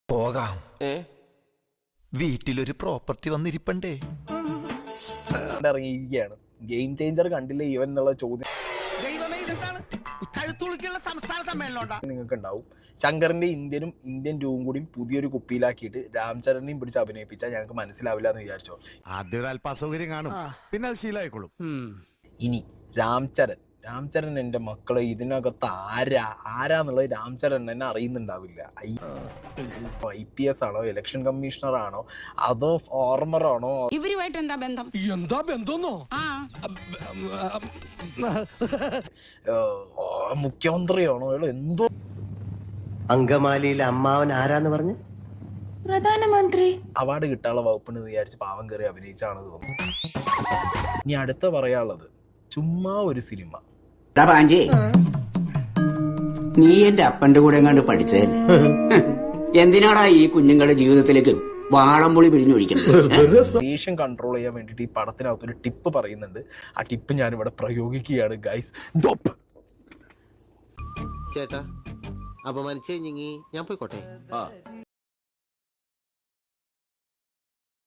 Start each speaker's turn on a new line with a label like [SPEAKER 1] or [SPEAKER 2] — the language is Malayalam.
[SPEAKER 1] പോകാം. വീട്ടിലൊരു പ്രോപ്പർട്ടി വന്നിരിപ്പണ്ടേ.
[SPEAKER 2] ഇറങ്ങിയിരിക്കുകയാണ്. ഗെയിം ചേഞ്ചർ കണ്ടില്ലേ ഇവൻ എന്നുള്ള ചോദ്യം നിങ്ങൾക്ക് ഉണ്ടാവും. ശങ്കറിന്റെ ഇന്ത്യൻ ടൂവും കൂടി പുതിയൊരു കുപ്പിയിലാക്കിയിട്ട് രാംചരണിയും പിടിച്ച് അഭിനയിപ്പിച്ചാൽ ഞങ്ങൾക്ക് മനസ്സിലാവില്ല എന്ന് വിചാരിച്ചോ.
[SPEAKER 3] ആദ്യം അല്പ അസൗകര്യം കാണും, പിന്നെ അത് ശീലമായിക്കോളും.
[SPEAKER 2] ഇനി രാംചരൺ എൻ്റെ മക്കളെ ഇതിനകത്ത് ആരാന്നുള്ളത് രാംചരൺ തന്നെ അറിയുന്നുണ്ടാവില്ല. IPS ആണോ, ഇലക്ഷൻ കമ്മീഷണർ ആണോ, അതോ ഫോർമർ ആണോ,
[SPEAKER 4] ഇവരുമായിട്ട് എന്താ ബന്ധം?
[SPEAKER 2] മുഖ്യമന്ത്രിയാണോ, എന്തോ.
[SPEAKER 5] അങ്കമാലിയിലെ അമ്മാവൻ ആരാന്ന് പറഞ്ഞു?
[SPEAKER 4] പ്രധാനമന്ത്രി.
[SPEAKER 2] അവാർഡ് കിട്ടാനുള്ള വകുപ്പിന് വിചാരിച്ച് പാവം കയറി അഭിനയിച്ചാണ് തോന്നുന്നു. ഇനി അടുത്ത പറയാനുള്ളത് ചുമ്മാ ഒരു സിനിമ.
[SPEAKER 6] നീ എന്റെ അപ്പന്റെ കൂടെ എങ്ങാണ്ട് പഠിച്ചതല്ലേ? എന്തിനാടാ ഈ കുഞ്ഞുങ്ങളുടെ ജീവിതത്തിലേക്ക് വാളംപുളി പിഴിഞ്ഞൊഴിക്കുന്നത്?
[SPEAKER 2] ദേഷ്യം കൺട്രോൾ ചെയ്യാൻ വേണ്ടിയിട്ട് ഈ പടത്തിനകത്തൊരു ടിപ്പ് പറയുന്നുണ്ട്. ആ ടിപ്പ് ഞാനിവിടെ പ്രയോഗിക്കുകയാണ് ഗൈസ്.
[SPEAKER 7] ചേട്ടാ, അപമാനിച്ചേ ഞാൻ പോയിക്കോട്ടെ.